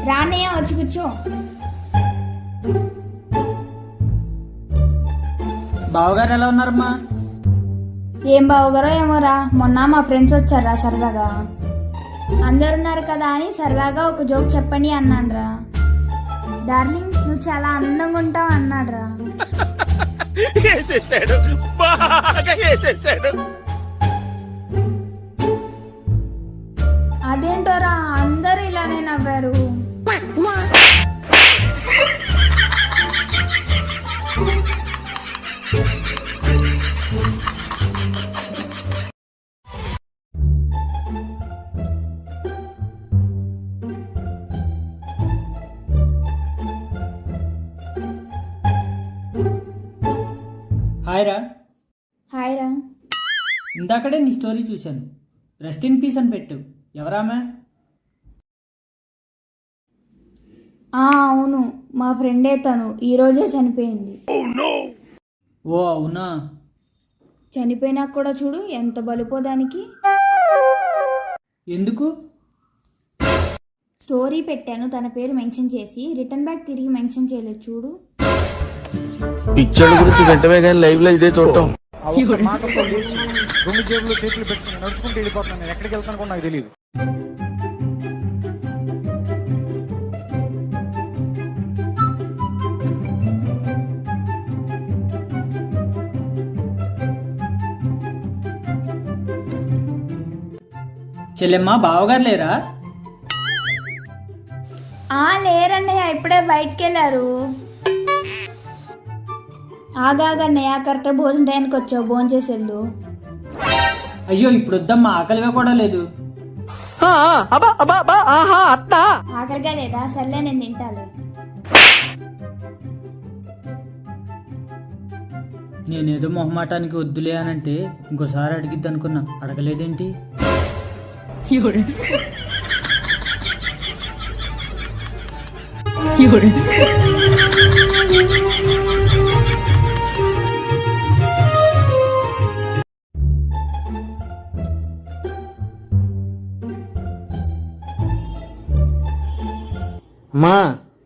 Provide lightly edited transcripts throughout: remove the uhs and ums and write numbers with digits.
రానయ్య వచ్చి కూర్చో. బావగారు ఎలా ఉన్నారమ్మా? ఏం బావగారో ఏమోరా, మొన్న మా ఫ్రెండ్స్ వచ్చారా సరదాగా. అందరున్నారు కదా అని సరదాగా ఒక జోక్ చెప్పండి అన్నాన్రా. డార్లింగ్ నువ్వు చాలా అందంగా ఉంటావు అన్నాడ్రా. అదేంటోరా అందరూ ఇలానే నవ్వారు. హాయ్ రా. హాయ్ రా. ఇందాకడే నీ స్టోరీ చూశాను. రెస్ట్ ఇన్ పీస్ అని పెట్టు. ఎవరామె? అవును, మా ఫ్రెండే, తను ఈరోజే చనిపోయింది. ఓ అవునా? చనిపోయినా కూడా చూడు ఎంత బలిపోదానికి. ఎందుకు? స్టోరీ పెట్టాను తన పేరు మెన్షన్ చేసి, రిటర్న్ బ్యాక్ తిరిగి మెన్షన్ చేయలేదు చూడు. పిక్చర్ గురించి వెంటనే కానీ లైవ్ లో ఇదే చూడటం. రెండు జేబుల్లో చేతులు పెట్టుకుని నడుచుకుంటూ వెళ్ళిపోతున్నాను. నేను ఎక్కడికి వెళ్తాను కూడా నాకు తెలియదు. చెల్లెమ్మ బావగారు లేరా? లేరన్నయ్య, ఇప్పుడే బయటికి వెళ్ళారు. ఆగాగన్నయ్య, కరెక్ట్ భోజనం టైంకి వచ్చావు, భోజనం చేసి వెళ్ళు. అయ్యో ఇప్పుడు వద్దమ్మా, ఆకలిగా కూడా లేదు. ఆకలిగా లేదా? సర్లే నేను తింటాను. నేనేదో మొహమాటానికి వద్దులే అనంటే ఇంకోసారి అడిగిద్ది అనుకున్నా, అడగలేదేంటి? అమ్మా,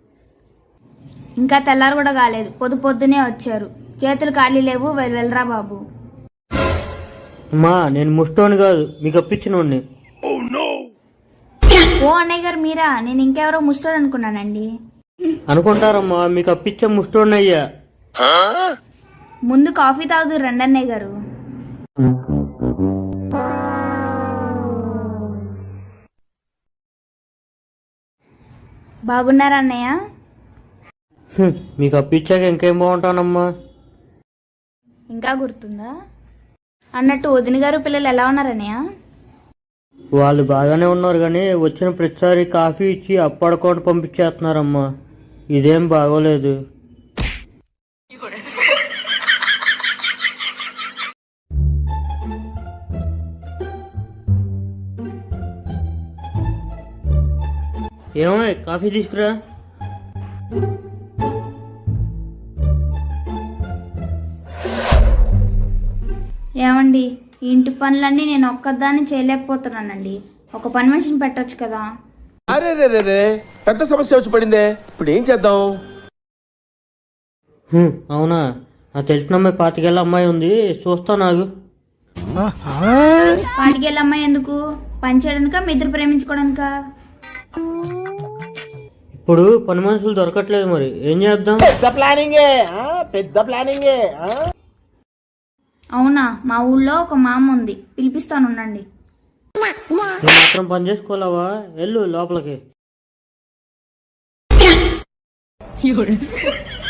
ఇంకా తెల్లారు కూడా కాలేదు, పొద్దునే వచ్చారు. చేతులు ఖాళీ లేవు, వెళ్ళరా బాబు. అమ్మా నేను ముష్టోని కాదు, మీకు అప్పించినోడిని. ఓ అన్నయ్య గారు మీరా? నేను ఇంకెవరో ముస్టోడు అనుకున్నానండి. అనుకుంటారమ్మా, మీకు అప్పించే ముష్టోడిని అయ్యా. ముందు కాఫీ తాగుదు రండి అన్నయ్య గారు. బాగున్నారా అన్నయ్య? మీకు అప్పించాక ఇంకేం బాగుంటానమ్మా. ఇంకా గుర్తుందా? అన్నట్టు వదిన గారు పిల్లలు ఎలా ఉన్నారన్నయ్య? వాళ్ళు బాగానే ఉన్నారు, కానీ వచ్చిన ప్రతిసారి కాఫీ ఇచ్చి అప్పడుకోండి పంపించేస్తున్నారమ్మా. ఇదేం బాగోలేదు. ఏమో కాఫీ తీసుకురా. ఏమండి, ఈ ఇంటి పనులన్నీ నేను ఒక్కదాన్ని చేయలేకపోతున్నానండి. ఒక పని మనిషిని పెట్టొచ్చు కదా. అరే రే రే రే, పెద్ద సమస్య వచ్చి పడిందే. ఇప్పుడు ఏం చేద్దాం? అవునా? నాకు తెలిసిన అమ్మాయి 25 ఏళ్ళ అమ్మాయి ఉంది, చూస్తా. నాకు 25 ఏళ్ళ అమ్మాయి ఎందుకు? పని చేయడానికా, మీ ఇద్దరు ప్రేమించుకోవడానికా? ఇప్పుడు పని మనుషులు దొరకట్లేదు, మరి ఏం చేద్దాం? పెద్ద ప్లానింగే. అవునా? మా ఊళ్ళో ఒక మామ ఉంది, పిలిపిస్తానుండండి. నువ్వు మాత్రం పని చేసుకోలేవా? వెళ్ళు లోపలికి.